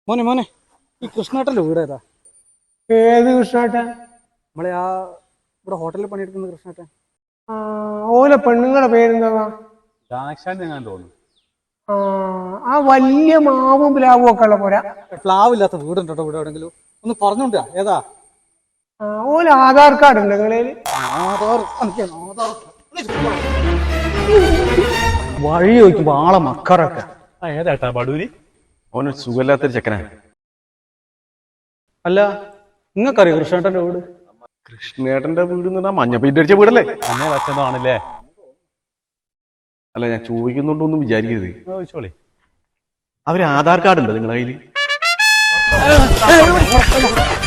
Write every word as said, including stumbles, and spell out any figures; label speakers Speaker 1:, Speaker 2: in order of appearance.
Speaker 1: മോനെ മോനെ ഈ കൃഷ്ണേട്ടൻ്റെ വീട് ഏതാ?
Speaker 2: ഏത് കൃഷ്ണേട്ടൻ?
Speaker 1: നമ്മളെ ആ ഇവിടെ ഹോട്ടലിൽ പണിയെടുക്കുന്ന കൃഷ്ണേട്ടൻ.
Speaker 2: ആ ഓലെ പെണ്ണുങ്ങളുടെ പേരെന്താ?
Speaker 3: ദാക്ഷായണി ഞാൻ തോന്നുന്നു.
Speaker 2: ആ ആ വലിയ മാവും പ്ലാവും ഒക്കെ ഉള്ള പോരാ.
Speaker 1: പ്ലാവില്ലാത്ത വീടുണ്ടോ ഇവിടെ എവിടെങ്കിലും? ഒന്ന് പറഞ്ഞോണ്ടാ ഏതാ?
Speaker 2: ആ ഓല ആധാർ കാർഡ് ഉണ്ട് നിങ്ങളേല്?
Speaker 1: ആധാർ ആധാർ വഴി ചോദിക്കുമ്പോ ആളെ മക്കറൊക്കെ.
Speaker 3: ആ ഏതാട്ടാ ബടൂരി?
Speaker 4: ഓനൊരു സുഖമില്ലാത്തൊരു ചെക്കനാണ്.
Speaker 1: അല്ല നിങ്ങൾക്കറിയോ കൃഷ്ണേട്ടൻ്റെ വീട്?
Speaker 4: കൃഷ്ണേട്ടന്റെ വീട് എന്ന് പറഞ്ഞാൽ മഞ്ഞ പെയിന്റ് അടിച്ച വീടല്ലേ?
Speaker 3: അന്നേ വച്ചതാണല്ലേ?
Speaker 4: അല്ല ഞാൻ ചോദിക്കുന്നുണ്ടോന്നും വിചാരിക്കരുത്.
Speaker 3: ചോദിച്ചോളി.
Speaker 4: അവര് ആധാർ കാർഡ് ഉണ്ടോ നിങ്ങളുടെ കയ്യിൽ?